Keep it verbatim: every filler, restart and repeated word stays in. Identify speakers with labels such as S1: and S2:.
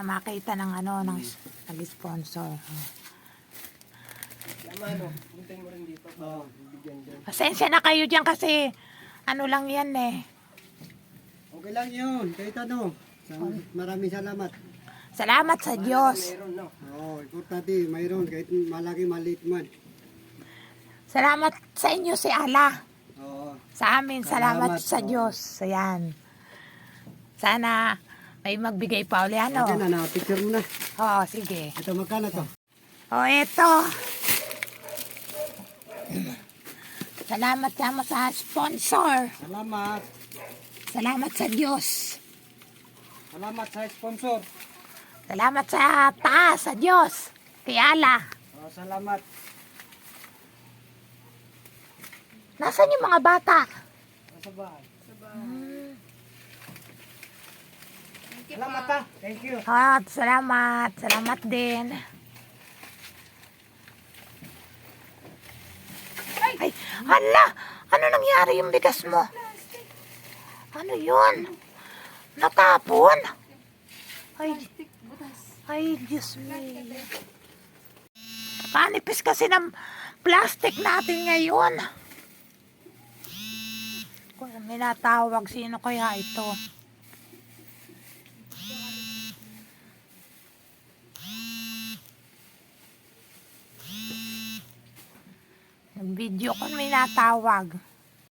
S1: makita ng ano, ng nag-sponsor. Oh.
S2: Tama, ano, puntayin mo rin dito. Oo, bibigyan dyan.
S1: Pasensya na kayo dyan kasi ano lang yan eh.
S3: Okay lang yun, kahit ano. Maraming salamat.
S1: Salamat sa Diyos.
S2: Mayroon, no?
S3: Oo, importante, mayroon, kahit malaki, maliit man.
S1: Salamat sa inyo si Allah.
S3: Oo.
S1: Sa amin, salamat,
S3: Salamat,
S1: sa
S3: oo.
S1: Diyos. Ayan. Sana may magbigay pa uli ano.
S3: Okay na, na-picture mo na.
S1: Oo, sige.
S3: Ito, magkano to?
S1: O, eto. Salamat sama sa sponsor.
S3: Salamat.
S1: Salamat sa Diyos.
S3: Salamat sa sponsor.
S1: Salamat sa taas, sa Diyos. Kay Allah.
S3: Oh, salamat.
S1: Nasaan yung mga bata?
S3: Sa bahay.
S1: Hmm.
S3: Salamat ha. Thank you.
S1: Ah, salamat. Salamat din. Ay, hala! Ano nangyari yung bigas mo? Ano yun? Natapon? Ay, ay, Diyos me. Kanipis kasi ng plastic natin ngayon. Kung may natawag, sino kaya ito? Nag-video ko may natawag.